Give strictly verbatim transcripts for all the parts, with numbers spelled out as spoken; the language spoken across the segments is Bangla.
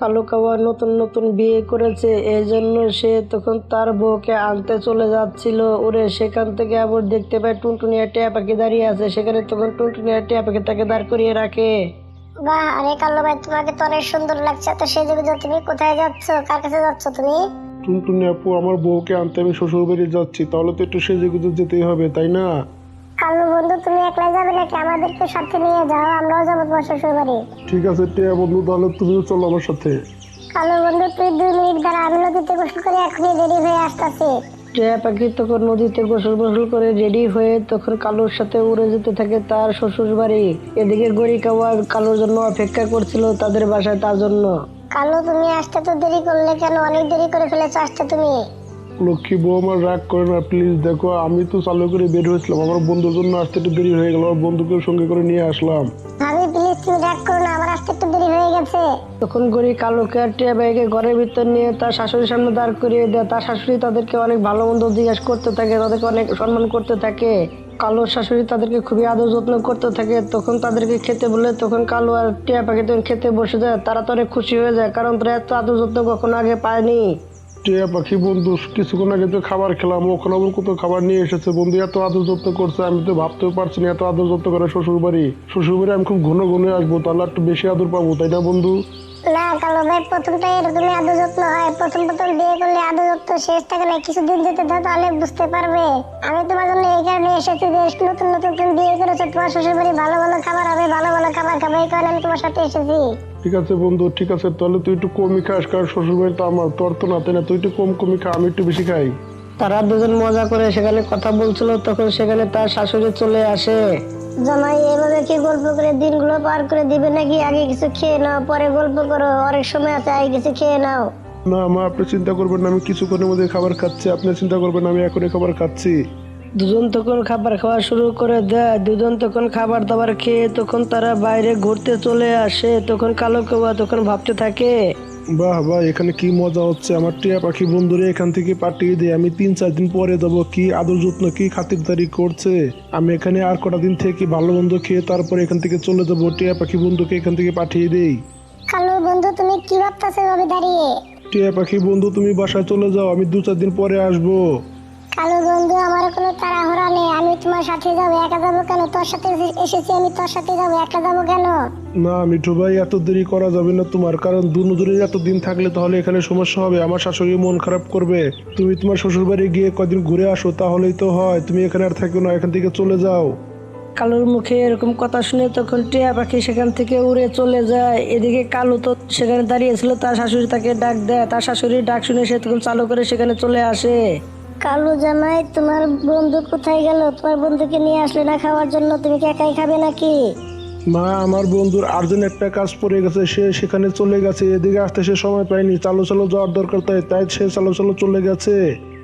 কালু কাওয়া নতুন নতুন বিয়ে করেছে, এই জন্য সে তখন তার বউকে আনতে চলে যাচ্ছিল। ওরে সেখান থেকে আবার দেখতে পায় টুনটুনিয়া টিয়া পাখি দাঁড়িয়ে আছে। সেখানে তখন টুনটুনিয়া টিয়া পাখি তাকে দাঁড় করিয়ে রাখে। বাহ, আরে কাল্লু ভাই, তোমাকে তো অনেক সুন্দর লাগছে। তো সেজে গুজে তুমি কোথায় যাচ্ছ? কার কাছে যাচ্ছ তুমি? টুনটুনি আপু, আমার বউকে আনতে আমি শ্বশুর বাড়ি যাচ্ছি, তাহলে তো একটু সেজে গুজে যেতেই হবে, তাই না? কাল্লু বন্ধু, তুমি একলাই যাবে নাকি? আমাদেরকে সাথে নিয়ে যাও, আমরাও যাবো তোমার শ্বশুর বাড়ি। ঠিক আছে টিয়া বন্ধু, তাহলে তুমিও চলো আমার সাথে। কাল্লু বন্ধু, তুই দুই মিনিট দাঁড়া, আমি নদীতে গোসল করে এখনই রেডি হয়ে আসতেছি। টিয়া পাখি তখন নদীতে গোসল গোসল করে রেডি হয়ে তখন কালুর সাথে উড়ে যেতে থাকে তার শ্বশুর বাড়ি। এদিকে গড়ি কাওয়া কালুর জন্য অপেক্ষা করছিল তাদের বাসায় তার জন্য। কাল্লু, তুমি আসতে তো দেরি করলে কেন? অনেক দেরি করে ফেলেছো আসতে তুমি। লক্ষ্মী বউ আমার রাগ করে না প্লিজ। দেখো, আমি তো চালু করে বের হয়েছিলাম, আমার বন্ধুর জন্য আসতে একটু দেরি হয়ে গেল, আমার বন্ধুকে সঙ্গে করে নিয়ে আসলাম। ভাবি প্লিজ, তুমি রাগ করো না, আমার আসতে একটু দেরি হয়ে গেছে। তখন গড়ি কালুকে আর টিয়া পাখিকে ঘরের ভিতর নিয়ে তার শাশুড়ির সামনে দাঁড় করিয়ে দেয়। তার শাশুড়ি তাদেরকে অনেক ভালো মন্দ জিজ্ঞাসা করতে থাকে, তাদেরকে অনেক সম্মান করতে থাকে। কালুর শাশুড়ি তাদেরকে খুবই আদর যত্ন করতে থাকে। তখন তাদেরকে খেতে বলে তখন কালু আর টিয়া পাখি তখন খেতে বসে যায়। তারা তো অনেক খুশি হয়ে যায়, কারণ তারা এত আদর যত্ন কখনো আগে পায়নি। টিয়া পাখি বন্ধু, কিছুক্ষণ আগে তো খাবার খেলাম, ওখানে আবার কত খাবার নিয়ে এসেছে। বন্ধু এত আদর যত্ন করছে, আমি তো ভাবতেও পারছি না এত আদর যত্ন করে শ্বশুর বাড়ি। শ্বশুর বাড়ি আমি খুব ঘন ঘন আসবো, তাহলে একটু বেশি আদর পাবো, তাই না বন্ধু? না কাল্লু ভাই, প্রথমটাই এরকমই আদর যত্ন হয়। প্রথম প্রথম বিয়ে করলে আদর যত্ন শেষ থাকে না, কিছুদিন যেতে দাও, তাহলে বুঝতে পারবে। আমি তোমার জন্য এই কারণে এসেছি যে নতুন নতুন তুমি বিয়ে করেছো, তোমার শ্বশুর বাড়ি ভালো ভালো খাবার হবে, ভালো ভালো খাবার খাবে, এই কারণে আমি তোমার সাথে এসেছি। ঠিক আছে বন্ধু, ঠিক আছে, তাহলে তুই একটু কমই খাস, কারণ শ্বশুর বাড়ি তো আমার, তোর তো না, তাই না? তুই একটু কম কমই খা, আমি একটু বেশি খাই। তারা দুজন মজা করে সেখানে কথা বলছিল, তখন সেখানে তার শাশুড়ি চলে আসে। জামাই, এভাবে কি গল্প করে দিনগুলো পার করে দিবে নাকি? আগে কিছু খেয়ে নাও, পরে গল্প করো, অনেক সময় আছে, আগে কিছু খেয়ে নাও। না মা, আপনি চিন্তা করবেন না, আমি কিছুক্ষণের মধ্যে খাবার খাচ্ছি, আপনি চিন্তা করবেন না, আমি এখনই খাবার খাচ্ছি। দুজন তখন খাবার খাওয়া শুরু করে দেয়। দুজন তখন খাবার দাবার খেয়ে তখন তারা বাইরে ঘুরতে চলে আসে। তখন কালো কাওয়া তখন ভাবতে থাকে, বাহ বাহ, এখানে কি মজা হচ্ছে। আমার টিয়া পাখি বন্ধুরে এখান থেকে পাঠিয়ে দিয়ে আমি তিন চার দিন পরে যাবো। কি আদর যত্ন, কি খাতিরদারি করছে। আমি এখানে আর কটা দিন থেকে ভালো মন্দ খেয়ে তারপরে এখান থেকে চলে যাবো। টিয়া পাখি বন্ধুকে এখান থেকে পাঠিয়ে দেই। কাল্লু বন্ধু, তুমি কি ভাবতেছো ভাবে দাঁড়িয়ে? টিয়া পাখি বন্ধু, তুমি বাসায় চলে যাও, আমি দু চার দিন পরে আসবো। কালু বন্ধু, আমার কোনো তাড়াহুড়া নেই, আমি তোমার সাথে যাবো। একা যাবো কেন? তোর সাথে এসেছি আমি, তোর সাথে যাবো, একা যাবো কেন? না মিঠু ভাই, এত দেরি করা যাবে না তোমার, কারণ দুজনে এত দিন থাকলে তাহলে এখানে সমস্যা হবে, আমার শাশুড়ি মন খারাপ করবে। তুমি তোমার শ্বশুর বাড়ি গিয়ে কদিন ঘুরে আসো, তাহলেই তো হয়। তুমি এখানে আর থাকো না, এখান থেকে চলে যাও। কালুর মুখে এরকম কথা শুনে তখন টিয়া পাখি সেখান থেকে উড়ে চলে যায়। এদিকে কালু তো সেখানে দাঁড়িয়েছিল, তার শাশুড়ি তাকে ডাক দেয়। তার শাশুড়ির ডাক শুনে সে তখন চালু করে সেখানে চলে আসে। কালু জামাই, তোমার বন্ধু কোথায় গেল? তোমার বন্ধুকে নিয়ে আসলে না খাওয়ার জন্য? তুমি কি একাই খাবে নাকি? মা, আমার বন্ধুর আর্জেন্ট একটা কাজ পড়ে গেছে, সে সেখানে চলে গেছে, এদিকে আসতে সে সময় পায়নি, চালো চালো যাওয়ার দরকার, তাই তাই সে চালো চালো চলে গেছে।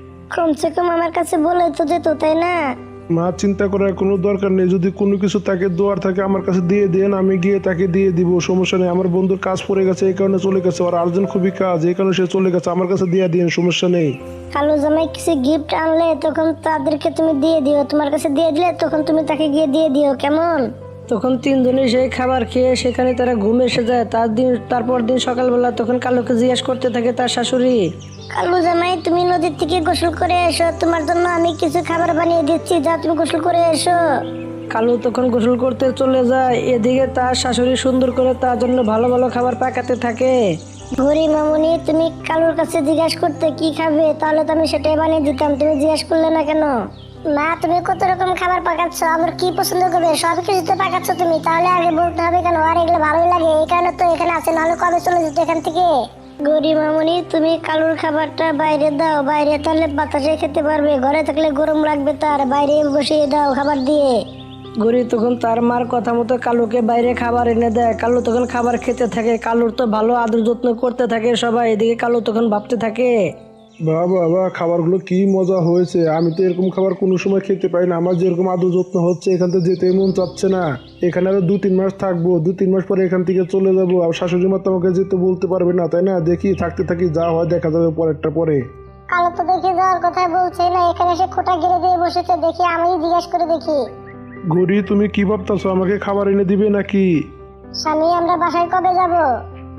কমসে কম আমার কাছে বলে তো যেত, তাই না? মা, চিন্তা করার কোনো দরকার নেই, যদি কোনো কিছু তাকে দেওয়ার থাকে আমার কাছে দিয়ে দেন, আমি গিয়ে তাকে দিয়ে দিব, সমস্যা নেই। আমার বন্ধুর কাজ পড়ে গেছে, এই কারণে চলে গেছে, আর আর্জেন্ট খুবই কাজ, এই কারণে সে চলে গেছে, আমার কাছে দিয়ে দিন, সমস্যা নেই। কালু জামাই, কিছু গিফট আনলে তখন তাদেরকে তুমি দিয়ে দিও, তোমার কাছে দিয়ে দিলে তখন তুমি তাকে গিয়ে দিয়ে দিও, কেমন? তখন তিনজনে সেই খাবার খেয়ে সেখানে তারা ঘুমে এসে যায়। তার দিন তারপর দিন সকালবেলা তখন কালুকে জিজ্ঞাসা করতে থাকে তার শাশুড়ি, কালু জামাই, তুমি নদীর থেকে গোসল করে এসো, তোমার জন্য আমি কিছু খাবার বানিয়ে দিচ্ছি, যা তুমি গোসল করে এসো। কালু তখন গোসল করতে চলে যায়। এদিকে তার শাশুড়ি সুন্দর করে তার জন্য ভালো ভালো খাবার পাকাতে থাকে। ঘুরি মামুনি, তুমি কালুর কাছে জিজ্ঞাসা করতে কি খাবে, তাহলে তো আমি সেটাই বানিয়ে দিতাম, তুমি জিজ্ঞাসা করলে না কেন? মা, তুমি কত রকম খাবার পাকাচ্ছ, আমার কি পছন্দ করবে সব কিছু তো পাকাচ্ছ তুমি, তাহলে আগে বলতে হবে কেন? আর এগুলো ভালোই লাগে, এই কারণে তো এখানে আছে, নাহলে কবে চলে যেত এখান থেকে। গরি মামুনি, তুমি কালুর খাবারটা বাইরে দাও, বাইরে তাহলে বাতাসে খেতে পারবে, ঘরে থাকলে গরম লাগবে, তার বাইরে বসিয়ে দাও খাবার দিয়ে। গরি তখন তার মার কথা মতো কালুকে বাইরে খাবার এনে দেয়। কালু তখন খাবার খেতে থাকে। কালুর তো ভালো আদর যত্ন করতে থাকে সবাই। এদিকে কালু তখন ভাবতে থাকে, বাবা বাবা, খাবারগুলো কি মজা হয়েছে, আমি তো এরকম খাবার কোনো সময় খেতে পাই না। আমার যেরকম আদর যত্ন হচ্ছে, এখান থেকে যেতে মন চাচ্ছে না। এখানে আরো দু তিন মাস থাকবো, দু তিন মাস পরে এখান থেকে চলে যাবো, আর শাশুড়ি মা তো আমাকে যেতে বলতে পারবে না, তাই না? দেখি থাকতে থাকি, যা হয় দেখা যাবে পরেরটা পরে। কালু তো দেখে যাওয়ার কথা বলছে না, এখানে সে খোঁটা গিরে দিয়ে বসেছে, দেখি আমি জিজ্ঞেস করে দেখি। গরি, তুমি কি ভাবতেছো, আমাকে খাবার এনে দিবে নাকি? স্বামী, আমরা বাসায় কবে যাব?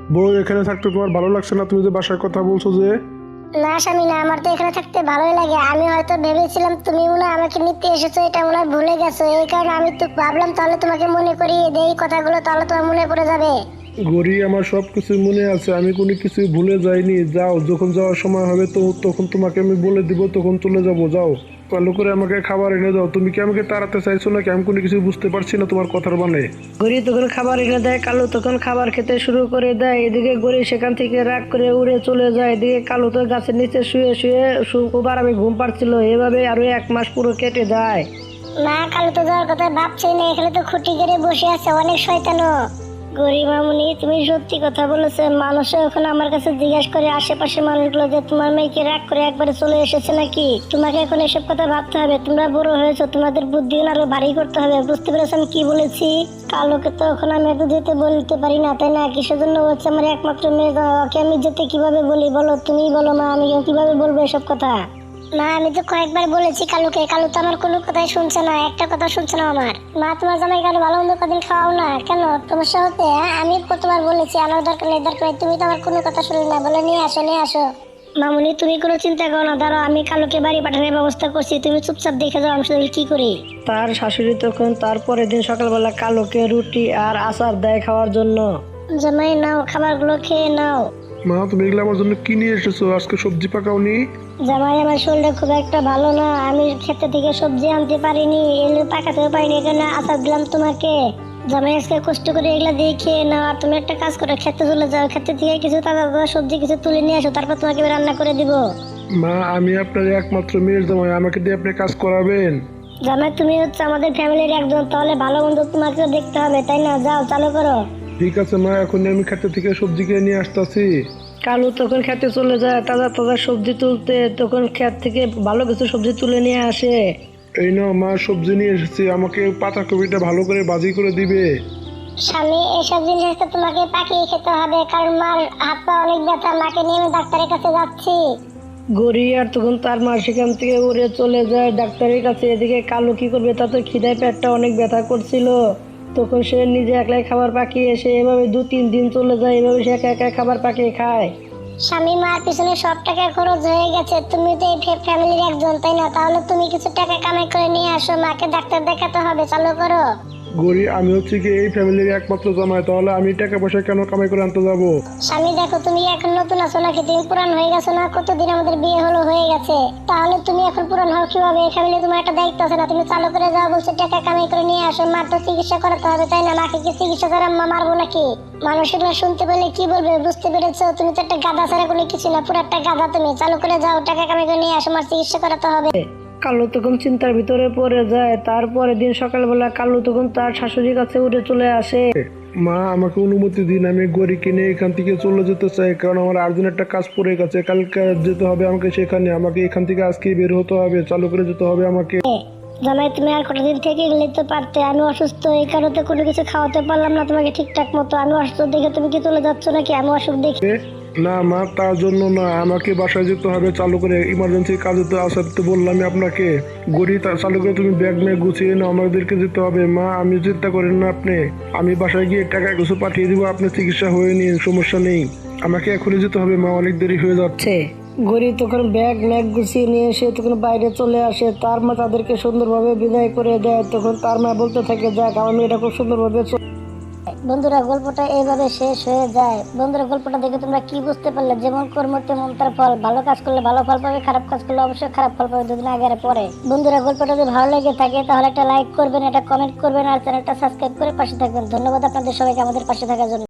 বউ এখানে থাকতে তোমার ভালো লাগছে না? তুমি যে বাসার কথা বলছো যে। না স্বামী না, আমার তো এখানে থাকতে ভালোই লাগে। আমি হয়তো ভেবেছিলাম তুমি মনে হয় আমাকে নিতে এসেছো, এটা মনে হয় ভুলে গেছো। এই কারণে আমি তো ভাবলাম তাহলে তোমাকে মনে করিয়ে দেই কথাগুলো, তাহলে তোমার মনে পড়ে যাবে। গড়ি, আমার সব কিছু মনে আছে, আমি কোনো কিছু ভুলে যাইনি। যাও, যখন যাওয়ার সময় হবে তো তখন তোমাকে আমি বলে দিব, তখন চলে যাবো। যাও, ভালো করে আমাকে খাবার এনে দাও। তুমি কি আমাকে তাড়াতে চাইছো নাকি? আমি কোনো কিছু বুঝতে পারছি না তোমার কথার মানে। গড়ি তখন খাবার এনে দেয়, কালু তখন খাবার খেতে শুরু করে দেয়। এদিকে গড়ি সেখান থেকে রাগ করে উড়ে চলে যায়। এদিকে কালু তো গাছের নিচে শুয়ে শুয়ে খুব আরামে ঘুম পাচ্ছিল। এভাবে আরো এক মাস পুরো কেটে যায়। না, কালু তো যাওয়ার কথা ভাবছি না, এখানে তো খুঁটি করে বসে আছে অনেক শয়তানো। গরিব মামুনি, তুমি সত্যি কথা বলেছো। মানুষও এখন আমার কাছে জিজ্ঞাসা করে আশেপাশের মানুষগুলো যে তোমার মেয়েকে রাগ করে একবারে চলে এসেছে নাকি। তোমাকে এখন এসব কথা ভাবতে হবে, তোমরা বড় হয়েছো, তোমাদের বুদ্ধি আরো ভারী করতে হবে। বুঝতে পেরেছো আমি কি বলেছি? কালোকে তো এখন আমি এত যেতে বলতে পারি না, তাই না? কিসের জন্য হচ্ছে আমার একমাত্র মেয়ে, ওকে আমি যেতে কিভাবে বলি বলো? তুমি বলো মা, আমি কিভাবে বলবো এসব কথা? মা, আমি তো কয়েকবার বলেছি কালুকে, কালু তো আমার কোনো কথাই শুনছে না, একটা কথা শুনছে না আমার। মা, তোমার জামাই কালু ভালো মন্দ কদিন খাওয়াও না কেন? তোমার সাথে আমি কতবার বলেছি আনার দরকার নেই, দরকার নেই, তুমি তো আমার কোনো কথা শুনলে না, বলে নিয়ে আসো নিয়ে আসো। মামুনি, তুমি কোনো চিন্তা করো না, দাঁড়াও, আমি কালুকে বাড়ি পাঠানোর ব্যবস্থা করছি, তুমি চুপচাপ দেখে যাও আমি শুধু কি করি। তার শাশুড়ি তখন তার পরের দিন সকালবেলা কালুকে রুটি আর আচার দেয় খাওয়ার জন্য। জামাই নাও, খাবারগুলো খেয়ে নাও। মা, তুমি এগুলো আমার জন্য কি নিয়ে এসেছো? আজকে সবজি পাকাওনি? জামাই, আমার শরীরটা খুব একটা ভালো না, আমি ক্ষেত থেকে সবজি আনতে পারিনি, এগুলো পাকাতেও পারিনি, এখানে আচার দিলাম তোমাকে। জামাই, আজকে কষ্ট করে এগুলা দিয়ে খেয়ে নাও। আর তুমি একটা কাজ করো, খেতে চলে যাও, খেতে থেকে কিছু তাজা তাজা সবজি কিছু তুলে নিয়ে আসো, তারপর তোমাকে আমি রান্না করে দিব। মা, আমি আপনার একমাত্র মেয়ের জামাই, আমাকে দিয়ে আপনি কাজ করাবেন? জামাই, তুমি হচ্ছে আমাদের ফ্যামিলির একজন, তাহলে ভালো মন্দ তোমাকেও দেখতে হবে, তাই না? যাও, চালু করো। ঠিক আছে মা, এখন আমি খেতে থেকে সবজি কিনে নিয়ে আসতেছি। কালু তখন খেতে চলে যায় তাজা তাজা সবজি তুলতে। তখন ক্ষেত থেকে ভালো কিছু সবজি তুলে নিয়ে আসে। এই নাও মা, সবজি নিয়ে এসেছি, আমাকে পাতাকপিটা ভালো করে ভাজি করে দিবে। স্বামী, এসব জিনিস তো তোমাকে পাকিয়ে খেতে হবে, কারণ মার হাত পা অনেক ব্যথা, মাকে নিয়ে আমি ডাক্তারের কাছে যাচ্ছি। গড়ি আর তখন তার মা সেখান থেকে উড়ে চলে যায় ডাক্তারের কাছে। এদিকে কালু কি করবে, তাতে খিদায় পেটটা অনেক ব্যথা করছিল। তখন সে নিজে একলাই খাবার পাকিয়ে এসে এভাবে দু তিন দিন চলে যায়। এভাবে সে একা একা খাবার পাকিয়ে খায়। স্বামী, মার পিছনে সব টাকা খরচ হয়ে গেছে, তুমি তো এই ফ্যামিলির একজন, তাই না? তাহলে তুমি কিছু টাকা কামাই করে নিয়ে আসো, মাকে ডাক্তার দেখাতে হবে, চালু করো। গরি, আমি হচ্ছে কি এই ফ্যামিলির একমাত্র জামাই, তাহলে আমি টাকা পয়সা কেন কামাই করে আনতে যাবো? স্বামী দেখো, তুমি এখন নতুন আছো নাকি? তুমি পুরান হয়ে গেছো না? কতদিন আমাদের বিয়ে হলো হয়ে গেছে, তাহলে তুমি এখন পুরান হও কিভাবে? এই ফ্যামিলি তোমার একটা দায়িত্ব আছে না? তুমি চালু করে যাও, বলছো টাকা কামাই করে নিয়ে আসো, মার তো চিকিৎসা করাতে হবে, তাই না? মাকে কি চিকিৎসা করে মা মারবো নাকি? মানুষের না শুনতে পেলে কি বলবে, বুঝতে পেরেছো? তুমি তো একটা গাধা ছাড়া কোনো কিছু না, পুরো একটা গাধা তুমি। চালু করে যাও, টাকা কামাই করে নিয়ে আসো, মার চিকিৎসা করাতে হবে। কালু তখন চিন্তার ভিতরে পড়ে যায়। তারপরের দিন সকালবেলা কালু তখন তার শাশুড়ির কাছে উঠে চলে আসে। মা, আমাকে অনুমতি দিন, আমি গড়ি কিনে এখান থেকে চলে যেতে চাই, কারণ আমার আর্জেন্ট একটা কাজ পড়ে গেছে, কালকে যেতে হবে আমাকে সেখানে। আমাকে এখান থেকে আজকে বের হতে হবে, চালু করে যেতে হবে আমাকে। জামাই, তুমি আর কতদিন থেকে গেলে তো পারতে, আমি অসুস্থ, এই কারণে কোনো কিছু খাওয়াতে পারলাম না তোমাকে ঠিকঠাক মতো। আমি অসুস্থ দেখে তুমি কি চলে যাচ্ছ নাকি? আমি অসুখ দেখে? এ, না মা, তার জন্য না, আমাকে বাসায় যেতে হবে, চালু করে ইমার্জেন্সি কাজে তো আসার তো বললামই আপনাকে। গড়ি, তা চালু করে তুমি ব্যাগ ম্যাগ গুছিয়ে নাও, আমাদেরকে যেতে হবে। মা, আমি চিন্তা করেন না আপনি, আমি বাসায় গিয়ে টাকা কিছু পাঠিয়ে দিব, আপনার চিকিৎসা হয়ে নিন, সমস্যা নেই। আমাকে এখনই যেতে হবে মা, অনেক দেরি হয়ে যাচ্ছে। গড়ি তখন ব্যাগ ম্যাগ গুছিয়ে নিয়ে এসে তখন বাইরে চলে আসে। তার মা তাদেরকে সুন্দরভাবে বিদায় করে দেয়। তখন তার মা বলতে থাকে, যাক, আমার মেয়েটা খুব সুন্দরভাবে চলে। বন্ধুরা, গল্পটা এইভাবে শেষ হয়ে যায়। বন্ধুরা, গল্পটা দেখে তোমরা কি বুঝতে পারলে? যেমন কর্ম তেমন তার ফল। ভালো কাজ করলে ভালো ফল পাবে, খারাপ কাজ করলে অবশ্যই খারাপ ফল পাবে, দুদিন আগে আর পরে। বন্ধুরা, গল্পটা যদি ভালো লেগে থাকে তাহলে একটা লাইক করবেন, একটা কমেন্ট করবেন, আর চ্যানেলটা সাবস্ক্রাইব করে পাশে থাকবেন। ধন্যবাদ আপনাদের সবাইকে আমাদের পাশে থাকার জন্য।